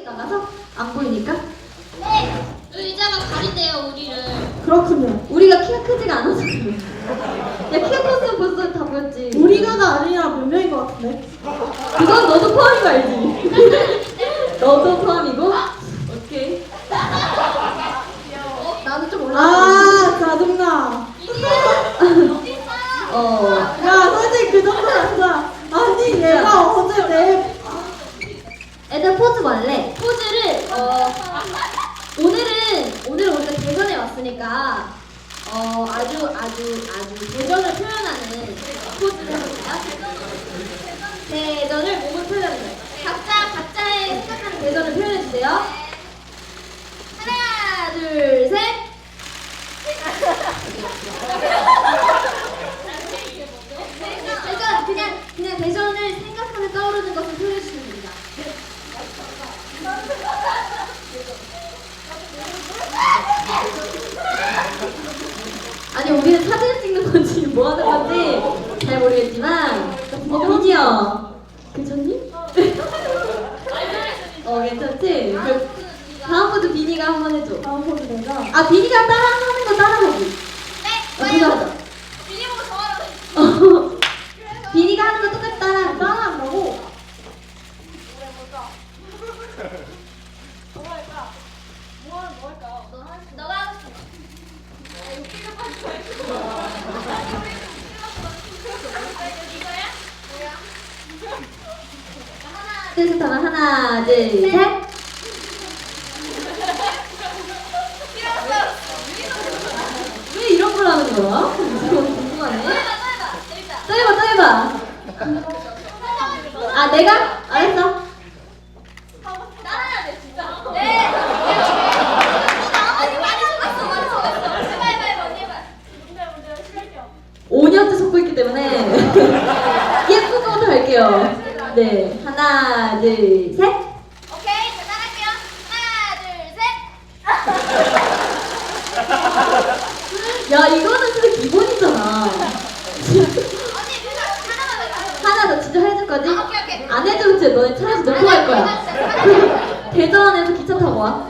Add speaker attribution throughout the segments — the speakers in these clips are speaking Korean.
Speaker 1: 나가서 안 보이니까?
Speaker 2: 네! 의자가 가린대요, 우리를.
Speaker 1: 그렇군요. 우리가 키가 크지가 않아서 그래요. 야, 키가 컸으면 벌써 다 보였지.
Speaker 3: 우리가가 아니라 몇 명인 것 같은데?
Speaker 1: 그건 너도 포함인 거 알지? 너도 포함이고? 오케이. 나도 좀 올라가.
Speaker 3: 아, 짜증나. 야, 솔직히 그 정도는 아니야. 아니, 얘가 어제 내.
Speaker 1: 애들 포즈 말래.
Speaker 2: 포즈를, 오늘은 우리가 대전에 왔으니까, 아주 대전을 표현하는 포즈를 해볼까요? 대전을 몸을 표현하는 거예요. 각자의 생각하는 대전을 표현해주세요. 하나, 둘, 셋. 그냥 대전을 생각하며 떠오르는 것을 표현해주시면 됩니다.
Speaker 1: 아니, 우리는 사진을 찍는 건지 뭐 하는 건지 잘 모르겠지만. 비니야. 괜찮니? 괜찮지? 다음 포즈 비니가 한번 해줘.
Speaker 3: 다음 포즈 내가.
Speaker 1: 아, 비니가 따라하는 거 따라하기.
Speaker 2: 네,
Speaker 1: 그거 하자.
Speaker 2: 비니 보고 저하라고.
Speaker 1: 비니가 하는 거 똑같이 따라하기.
Speaker 3: 따라한다고?
Speaker 2: 너가 하고 싶어.
Speaker 1: 셋 하면 하나, 둘, 셋. 왜 이런 걸 하는 거야? 궁금하네. 또 해봐. 아, 내가? 알았어.
Speaker 2: 따라해야 돼, 진짜. 네. 많이 속았어. 해봐, 언니 해봐.
Speaker 1: 5년째 속고 있기 때문에 예쁜 거부터 할게요. 네, 하나, 둘, 셋.
Speaker 2: 오케이, 자, 따라할게요. 하나, 둘, 셋.
Speaker 1: 야, 이거는 진짜 기본이잖아.
Speaker 2: 언니, 그냥 하나만 더.
Speaker 1: 하나 더 진짜 해줄 거지?
Speaker 2: 아, 오케이.
Speaker 1: 안 해주면 진짜 너네 차에서 놓고 갈 거야. 대전에서 기차 타고 와.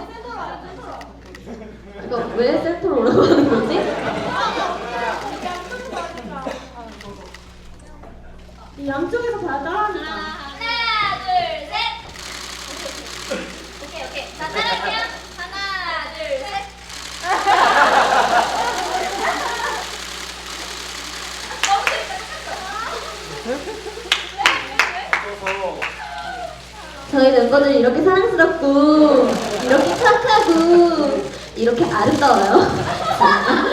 Speaker 1: 이거 왜 센터로 오라고 하는 거지?
Speaker 3: 이 양쪽에서 다 따라하니까.
Speaker 2: 하나, 둘, 셋. 오케이. 자, 따라할게요. 하나, 둘, 셋. 너무 재밌다.
Speaker 1: 저희 멤버들이 이렇게 사랑스럽고 이렇게 착하고 이렇게 아름다워요.